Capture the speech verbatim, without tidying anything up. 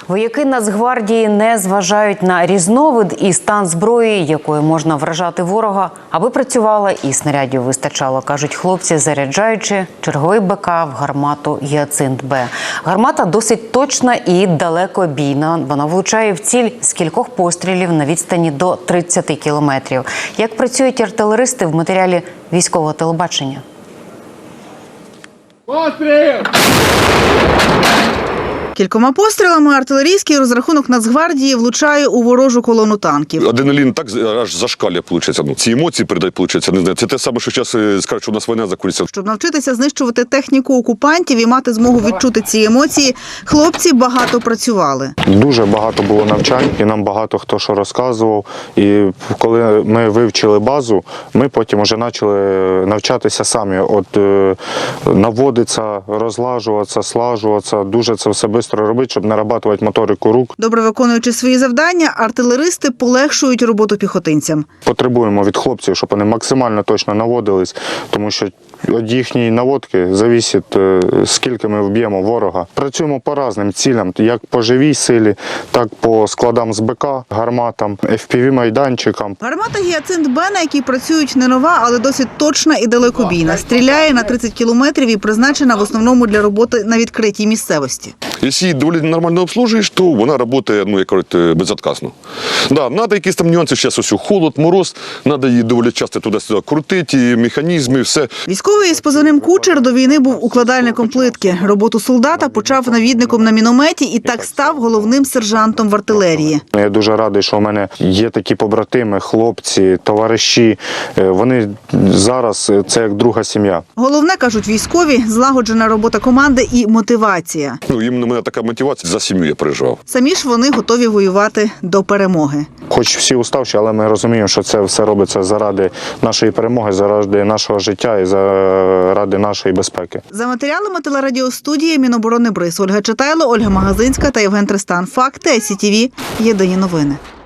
Вояки Нацгвардії не зважають на різновид і стан зброї, якою можна вражати ворога, аби працювала і снарядів вистачало, кажуть хлопці, заряджаючи черговий БК в гармату «Гіацинт-Б». Гармата досить точна і далекобійна. Вона влучає в ціль з кількох пострілів на відстані до тридцяти кілометрів. Як працюють артилеристи в матеріалі військового телебачення? Постріл! Кількома пострілами артилерійський розрахунок Нацгвардії влучає у ворожу колону танків. Адреналін так аж зашкалює, виходить. Ну, ці емоції передають, виходить. Не знаю. Це те саме, що зараз скажуть, що у нас війна закінчиться. Щоб навчитися знищувати техніку окупантів і мати змогу відчути ці емоції, хлопці багато працювали. Дуже багато було навчань, і нам багато хто що розказував. І коли ми вивчили базу, ми потім вже почали навчатися самі. От е, наводитися, розлажуватися, слажуватися, дуже це все швидко робити, щоб не рабатувати моторику рук. Добре виконуючи свої завдання, артилеристи полегшують роботу піхотинцям. Потребуємо від хлопців, щоб вони максимально точно наводились, тому що від їхньої наводки залежить, скільки ми вб'ємо ворога. Працюємо по різним цілям, як по живій силі, так по складам з БК, гарматам, еф пі ві-майданчикам. Гармата «Гіацинт-Б», на якій працюють, не нова, але досить точна і далекобійна. Стріляє на тридцять кілометрів і призначена в основному для роботи на відкритій місцевості. Якщо її доволі нормально обслужуєш, то вона працює, ну, як кажуть, безотказно. Да, треба якісь там нюанси, зараз ось холод, мороз, треба її доволі часто туди-сюди крутити, і механізми, все. Військовий з позивним «Кучер» до війни був укладальником плитки. Роботу солдата почав навідником на мінометі і так став головним сержантом в артилерії. Я дуже радий, що у мене є такі побратими, хлопці, товариші. Вони зараз – це як друга сім'я. Головне, кажуть військові, злагоджена робота команди і мотивація. Ну, іменно у мене така мотивація, за сім'ю я переживав. Самі ж вони готові воювати до перемоги. Хоч всі уставші, але ми розуміємо, що це все робиться заради нашої перемоги, заради нашого життя і заради нашої безпеки. За матеріалами телерадіостудії Міноборони Бриз. Ольга Читайло, Ольга Магазинська та Євген Тристан. Факти, ай сі ті ві. Єдині новини.